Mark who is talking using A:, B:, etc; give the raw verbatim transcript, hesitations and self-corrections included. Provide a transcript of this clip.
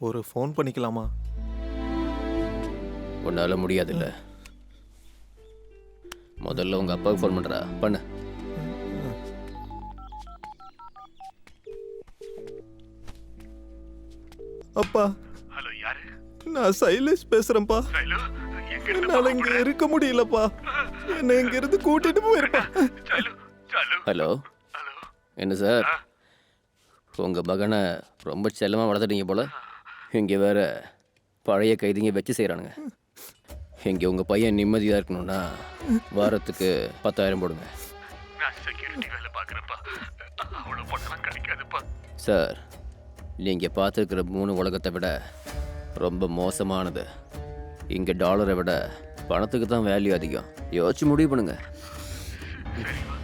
A: ஒரு ஃபோன் பண்ணிக்கலாமா?
B: உன்னால முடியாதுல்ல. முதல்ல உங்க அப்பாவுக்கு ஃபோன் பண்றா. பண்ணு.
A: அப்பா.
C: ஹலோ, யாரு?
A: நான் சைலேஷ் பேசுறேன்ப்பா.
C: ஹலோ,
A: என்னால இங்க இருக்க முடியலப்பா. என்ன இங்க இருந்து கூட்டிட்டு போயிருப்பா.
B: ஹலோ.
C: ஹலோ.
B: என்ன சார், உங்க மகனை ரொம்ப செல்லமா வளர்த்துட்டீங்க போல. இங்க வேற பழைய கைதிங்க வச்சு செய்யறானுங்க. இங்க உங்க பையன் நிம்மதியா இருக்கணும்னா வாரத்துக்கு பத்தாயிரம் போடுங்க.
C: நான் செக்யூரிட்டி வேலை பார்க்குறப்பா, அவ்வளோ பணம் கிடைக்காதுப்பா.
B: சார், நீங்க பார்த்துருக்கிற மூணு உலகத்தை விட ரொம்ப மோசமானது. இங்க டாலரை விட பணத்துக்கு தான் வேல்யூ அதிகம். யோசிச்சு முடிவு பண்ணுங்க.
C: சரிப்பா.